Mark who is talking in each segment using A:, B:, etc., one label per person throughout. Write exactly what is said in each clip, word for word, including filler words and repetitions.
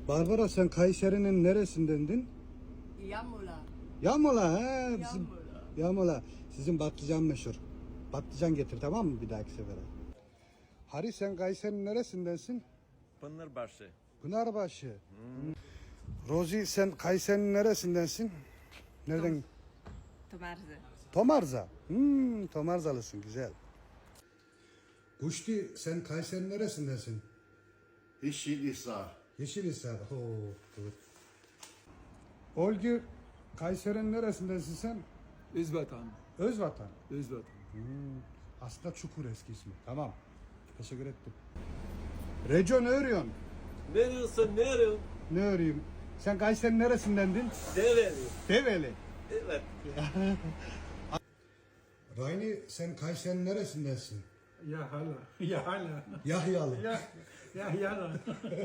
A: Barbara sen Kayseri'nin neresindendin?
B: Yamula.
A: Yamola he. Bizim,
B: Yamula.
A: Yamola. Sizin patlıcan meşhur. Patlıcan getir tamam mı bir dahaki sefere? Hari sen Kayseri'nin neresindensin?
C: Pınarbaşı.
A: Pınarbaşı. Hmm. Rozi sen Kayseri'nin neresindensin? Nereden?
B: Tomarze.
A: Tomarza. Hmm, Tomarzalısın güzel. Kuşti sen Kayseri'nin neresindensin?
D: Yeşilhisar.
A: Yeşilhisar. Oo, good. Olgü Kayseri'nin neresindensin sen?
E: Özvatan.
A: Özvatan.
E: Özvatan.
A: Aslında Çukur eski ismi. Tamam. Teşekkür ettim. Reco ne örüyorsun?
C: Ne diyorsun, ne arıyorsun?
A: Ne öreyim? Sen Kayseri'nin neresindendin?
C: Develi.
A: Develi.
C: Evet.
A: Rayni sen Kayseri'nin neresindensin?
E: Ya hala. Ya hala.
A: Yahyalı.
E: Ya ya hala.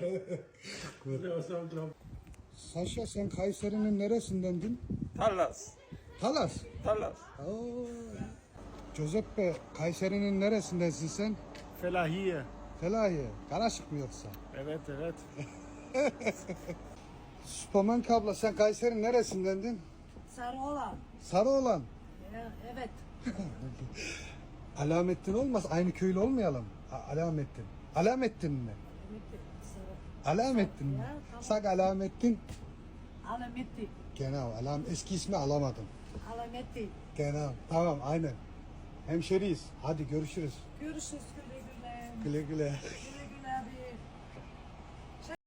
A: Saşa sen Kayseri'nin neresindendin?
C: Talas.
A: Talas.
C: Talas.
A: Oo. Giuseppe Kayseri'nin neresindensin sen?
E: Felahiye.
A: Felahiye. Karaşık mı yoksa?
E: Evet evet.
A: Süperman abla sen Kayseri'nin neresindendin?
B: Sarıoğlan.
A: Sarıoğlan.
B: Ya, evet.
A: Alamettin olmaz. Aynı köylü olmayalım. A- Alamettin. Alamettin mi? Alamettin mi?
B: Ya, tamam.
A: Sak Alamettin.
B: Alametti.
A: Genau. Alam eski ismi alamadım.
B: Alametti.
A: Genau. Tamam aynen. Hemşeriyiz. Hadi görüşürüz.
B: Görüşürüz güle güle.
A: Güle güle.